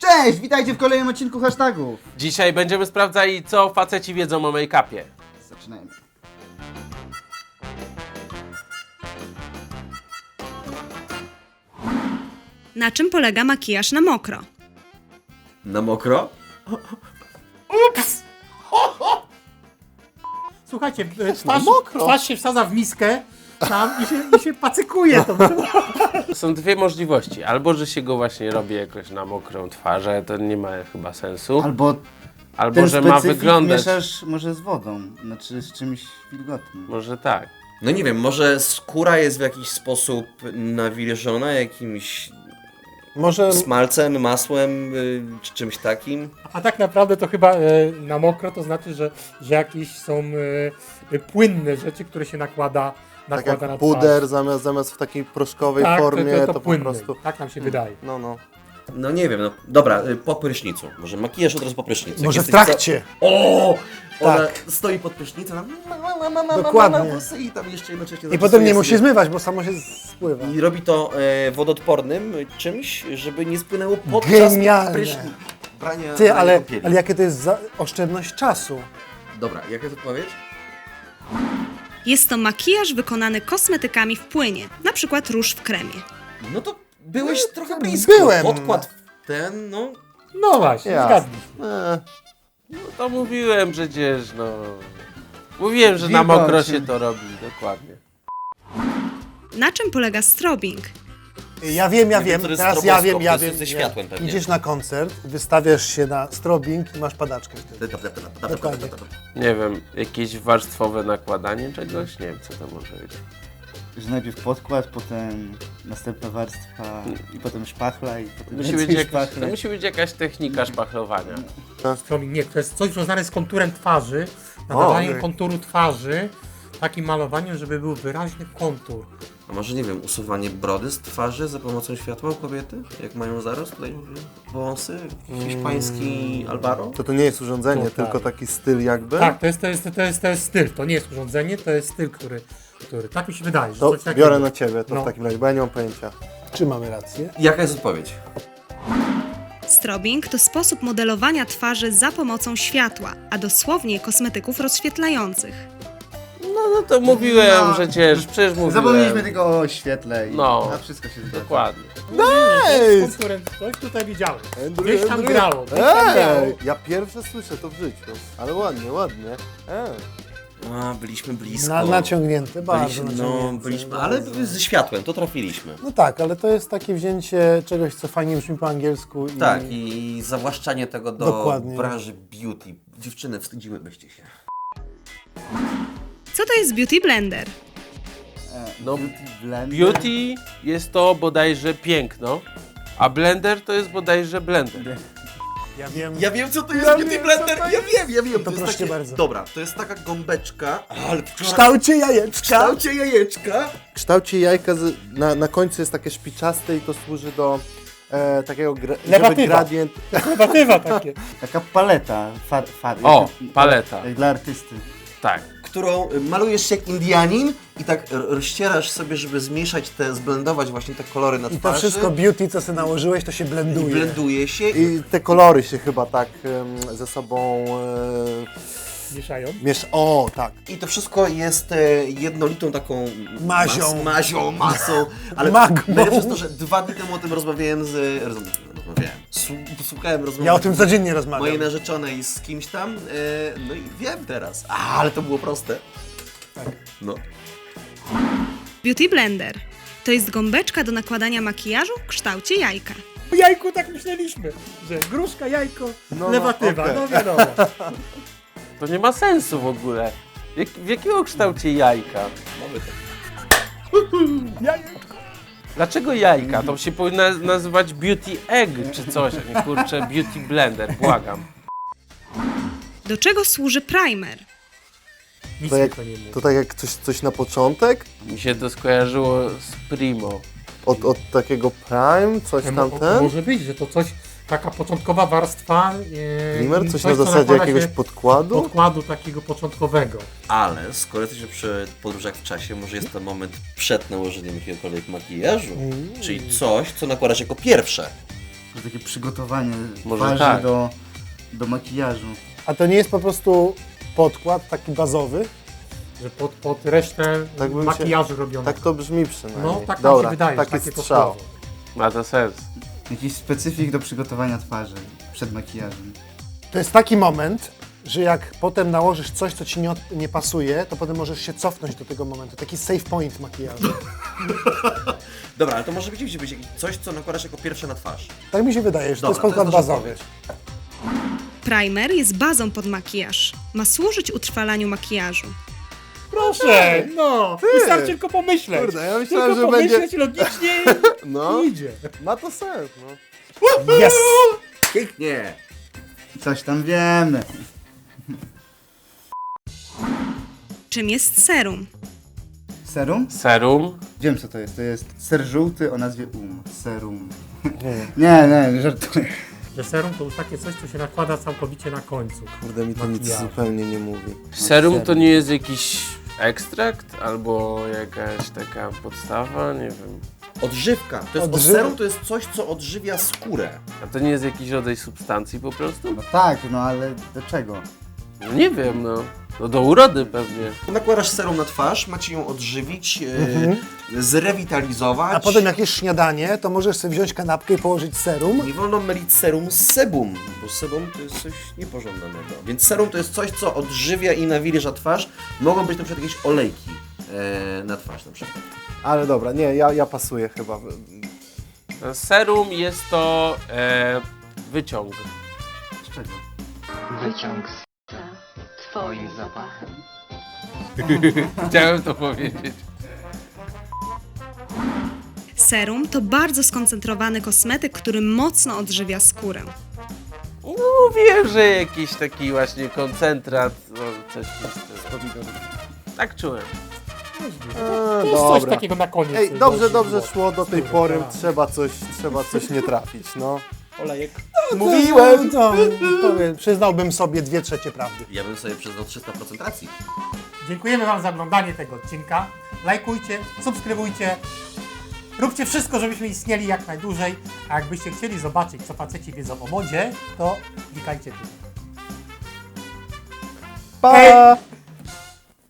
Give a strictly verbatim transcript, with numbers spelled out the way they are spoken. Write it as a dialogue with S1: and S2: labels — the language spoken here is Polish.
S1: Cześć, witajcie w kolejnym odcinku hashtagów.
S2: Dzisiaj będziemy sprawdzali, co faceci wiedzą o make-upie.
S1: Zaczynajmy.
S3: Na czym polega makijaż na mokro?
S4: Na mokro?
S2: Ups!
S5: Słuchajcie, twarz, twarz się wsadza w miskę tam i się, i się pacykuje to.
S2: Są dwie możliwości. Albo, że się go właśnie robi jakoś na mokrą twarz, ale to nie ma chyba sensu.
S1: Albo
S2: Albo,
S1: ten
S2: że ma
S1: specyfik
S2: wyglądać.
S1: mieszasz może z wodą, znaczy z czymś wilgotnym.
S2: Może tak.
S4: No nie wiem, może skóra jest w jakiś sposób nawilżona jakimś
S6: Może
S4: smalcem, masłem y, czy czymś takim.
S5: A tak naprawdę to chyba e, na mokro to znaczy, że, że jakieś są e, e, płynne rzeczy, które się nakłada,
S6: tak
S5: nakłada na
S6: jak
S5: twarz.
S6: puder zamiast, zamiast w takiej proszkowej
S5: tak,
S6: formie,
S5: to, to,
S6: to,
S5: to
S6: po
S5: płynne.
S6: prostu...
S5: Tak nam się wydaje.
S6: No, no.
S4: No nie wiem, no dobra, y, po prysznicu. Może makijaż od razu po prysznicu. Jak
S6: Może w
S4: jesteś
S6: trakcie.
S4: Ca... O! Ona
S6: Tak.
S4: stoi pod prysznicem, ma, ma, ma, ma, ma,
S6: Dokładnie.
S4: ma, ma, włosy i tam jeszcze jednocześnie...
S6: I potem nie musi
S4: sobie...
S6: zmywać, bo samo się spływa.
S4: I robi to e, wodoodpornym czymś, żeby nie spłynęło podczas
S6: Genialne.
S4: prysznic. Brania,
S6: Ty,
S4: brania
S6: ale,
S4: kąpieli.
S6: ale jakie to jest za oszczędność czasu?
S4: Dobra, jaka jest odpowiedź?
S3: Jest to makijaż wykonany kosmetykami w płynie, na przykład róż w kremie.
S4: No to byłeś trochę blisko.
S6: byłem.
S4: Podkład ten, no...
S5: No właśnie,
S6: Ja.
S5: zgadnij.
S6: E,
S2: No to mówiłem przecież, no. Mówiłem, że na
S1: Wilgoci.
S2: mokro się to robi, dokładnie.
S3: Na czym polega strobing?
S6: ja wiem, ja
S4: Nie wiem,
S6: wiem,
S4: co to jest
S6: teraz ja wiem, ja
S4: stroboskop, to
S6: wiem.
S4: jest ze
S6: nie.
S4: światłem pewnie.
S6: Idziesz na koncert, wystawiasz się na strobing i masz padaczkę wtedy. Dokładnie.
S2: Nie wiem, jakieś warstwowe nakładanie czegoś? Nie wiem, co to może być.
S1: Że najpierw podkład, potem następna warstwa i potem szpachla i potem
S2: Musi
S1: więcej
S2: być, jakaś,
S1: szpachle.
S2: to musi być jakaś technika szpachlowania.
S5: Stroming, nie, to jest coś związane z konturem twarzy, nadawaniem
S6: nie.
S5: konturu twarzy, takim malowaniem, żeby był wyraźny kontur.
S4: A może, nie wiem, usuwanie brody z twarzy za pomocą światła u kobiety? Jak mają zaraz tutaj wąsy? Hiszpański albaro?
S6: To to nie jest urządzenie,
S5: To tak.
S6: tylko taki styl jakby.
S5: Tak, to jest, to, jest, to, jest, to jest styl, to nie jest urządzenie, to jest styl, który, który tak mi się wydaje, że
S6: To
S5: coś takiego.
S6: biorę na ciebie to
S5: No.
S6: w takim razie, bo ja nie mam pojęcia. Czy mamy rację?
S4: Jaka jest odpowiedź?
S3: Strobing to sposób modelowania twarzy za pomocą światła, a dosłownie kosmetyków rozświetlających.
S2: No, no to mówiłem
S1: No.
S2: przecież, przecież mówiłem.
S1: Zapomnieliśmy tylko o świetle i
S2: No.
S1: a wszystko się zgadza.
S2: Dokładnie.
S5: Z konturem, coś tutaj widziałem. Gdzieś tam grało, gdzieś tam grało.
S6: Ej, ja pierwsze słyszę to w życiu, ale ładnie, ładnie. Ej.
S4: A, byliśmy blisko.
S6: Na, naciągnięte, bardzo
S4: byliśmy,
S6: naciągnięte.
S4: No, byliśmy, ale
S6: bardzo.
S4: ze światłem, to trafiliśmy.
S6: No tak, ale to jest takie wzięcie czegoś, co fajnie brzmi po angielsku. I...
S4: Tak, i zawłaszczanie tego do
S6: Dokładnie.
S4: branży beauty. Dziewczyny, wstydzimy byście się.
S3: Co to jest beauty blender?
S1: E,
S2: No,
S1: beauty blender.
S2: Beauty jest to bodajże piękno, a blender to jest bodajże blender.
S6: Ja wiem.
S4: Ja wiem, co to jest
S6: Ja
S4: beauty
S6: wiem,
S4: blender,
S6: co to
S4: ja wiem, ja wiem.
S6: To
S4: jest
S6: proszę
S4: takie...
S6: bardzo.
S4: Dobra, to jest taka gąbeczka, ale
S6: W kształcie jajeczka.
S4: w kształcie jajeczka.
S6: W kształcie jajka z, na, na końcu jest takie szpiczaste i to służy do e, takiego gra, żeby
S5: Lewatywa.
S6: gradient.
S5: Lewatywa takie.
S1: Taka paleta far, far,
S2: O,
S1: jak-
S2: paleta.
S1: Jak dla artysty.
S2: Tak.
S4: Którą malujesz się jak Indianin i tak r- rozcierasz sobie, żeby zmieszać te, zblendować właśnie te kolory na
S6: I to
S4: twarzy.
S6: wszystko beauty, co sobie nałożyłeś, to się blenduje.
S4: blenduje się i
S6: I te kolory się chyba tak em, ze sobą e,
S5: Mieszają.
S6: miesz... O, tak.
S4: I to wszystko jest e, jednolitą taką
S6: Mazią.
S4: Mas, mazią, masą. Ale
S6: Magmą.
S4: najlepsze jest to, że dwa dni temu o tym rozmawiałem z... Rozmawiałem. Słu- Słuchałem rozmowy
S6: Ja o tym codziennie rozmawiam.
S4: mojej narzeczonej z kimś tam. E, no i wiem teraz. A, ale to było proste.
S6: Tak.
S4: No.
S3: Beauty blender to jest gąbeczka do nakładania makijażu w kształcie jajka.
S5: O jajku tak myśleliśmy, że gruszka, jajko,
S6: no,
S5: lewatywa,
S6: okej.
S5: no wiadomo.
S2: To nie ma sensu w ogóle. Jak, w jakiego kształcie jajka?
S4: Mamy to.
S5: Jajeczko.
S2: Dlaczego jajka? To się powinno nazywać beauty egg czy coś, a nie kurczę beauty blender, błagam.
S3: Do czego służy primer?
S5: Nic
S6: To,
S5: mi
S6: jak,
S5: to nie mówi.
S6: to tak jak coś, coś na początek,
S2: Mi się to skojarzyło z Primo.
S6: od, od takiego prime, coś
S5: Mo-
S6: tamten.
S5: Może być, że to coś, taka początkowa warstwa. E,
S6: Primer, coś
S5: co
S6: na zasadzie
S5: nakłada
S6: jakiegoś
S5: się
S6: podkładu.
S5: podkładu takiego początkowego.
S4: Ale skoro jesteśmy przy podróżach w czasie, może jest to moment przed nałożeniem jakiegokolwiek makijażu.
S6: Mm.
S4: Czyli coś, co nakładasz jako pierwsze.
S1: To takie przygotowanie
S2: Może
S1: twarzy
S2: tak.
S1: do, do makijażu.
S6: A to nie jest po prostu podkład taki bazowy?
S5: Że pod, pod resztę
S6: Tak bym się-
S5: makijażu robiono.
S6: Tak to brzmi przynajmniej.
S5: No, tak nam
S6: Dobra,
S5: się wydaje,
S6: taki
S5: że takie to
S6: strzał.
S5: słowo.
S2: Ma to sens.
S1: Jakiś specyfik do przygotowania twarzy przed makijażem.
S6: To jest taki moment, że jak potem nałożysz coś, co ci nie, od- nie pasuje, to potem możesz się cofnąć do tego momentu. Taki save point makijażu.
S4: Dobra, ale to może być, być coś, co nakładasz jako pierwsze na twarz.
S6: Tak mi się wydaje, że to jest
S4: Dobra, to
S6: podkład
S4: jest nasza
S6: bazowy.
S3: Primer jest bazą pod makijaż. Ma służyć utrwalaniu makijażu.
S5: Proszę, no, wystarczy tylko pomyśleć.
S6: Kurde, ja myślałem,
S5: tylko
S6: że będzie-
S5: pomyśleć logicznie
S6: No,
S5: i idzie.
S6: ma to sens, no.
S5: Yes!
S4: Pięknie!
S1: Coś tam wiemy.
S3: Czym jest serum?
S1: Serum?
S2: Serum.
S1: Wiem co to jest. To jest ser żółty o nazwie Um. Serum. Nie, nie, żartuję.
S5: Że serum to już takie coś, co się nakłada całkowicie na końcu.
S6: Kurde, mi to nic
S5: Makijażu.
S6: zupełnie nie mówi.
S2: Serum to nie jest jakiś ekstrakt albo jakaś taka podstawa, nie wiem.
S4: Odżywka. To jest,
S6: Odżyw-
S4: serum to jest coś, co odżywia skórę.
S2: A to nie jest jakiś rodzaj substancji po prostu?
S1: No tak, no ale do czego?
S2: No nie wiem, no. No do urody pewnie.
S4: Nakładasz serum na twarz, macie ją odżywić, e, zrewitalizować.
S6: A potem jak jest śniadanie, to możesz sobie wziąć kanapkę i położyć serum.
S4: Nie wolno mylić serum z sebum, bo sebum to jest coś niepożądanego. Więc serum to jest coś, co odżywia i nawilża twarz. Mogą być na przykład jakieś olejki e, na twarz na przykład.
S6: Ale dobra, nie, ja, ja pasuję chyba.
S2: No, serum jest to e, wyciąg.
S1: Z czego?
S7: Wyciąg z twoim zapachem.
S2: Chciałem to powiedzieć.
S3: Serum to bardzo skoncentrowany kosmetyk, który mocno odżywia skórę.
S2: Mówiłem, że jakiś taki właśnie koncentrat, no coś w tym stylu. Tak czułem.
S6: A,
S5: To jest coś
S6: dobra.
S5: takiego na koniec.
S6: Ej,
S5: coś
S6: dobrze,
S5: dość
S6: dobrze
S5: było.
S6: szło do tej
S5: Skóry,
S6: pory,
S5: tak.
S6: trzeba coś, trzeba coś nie trafić, no.
S5: Olejek.
S6: Mówiłem! No, powiem, przyznałbym sobie dwie trzecie prawdy.
S4: Ja bym sobie przyznał trzysta procent racji.
S5: Dziękujemy Wam za oglądanie tego odcinka. Lajkujcie, subskrybujcie. Róbcie wszystko, żebyśmy istnieli jak najdłużej. A jakbyście chcieli zobaczyć, co faceci wiedzą o modzie, to klikajcie tu.
S6: Pa!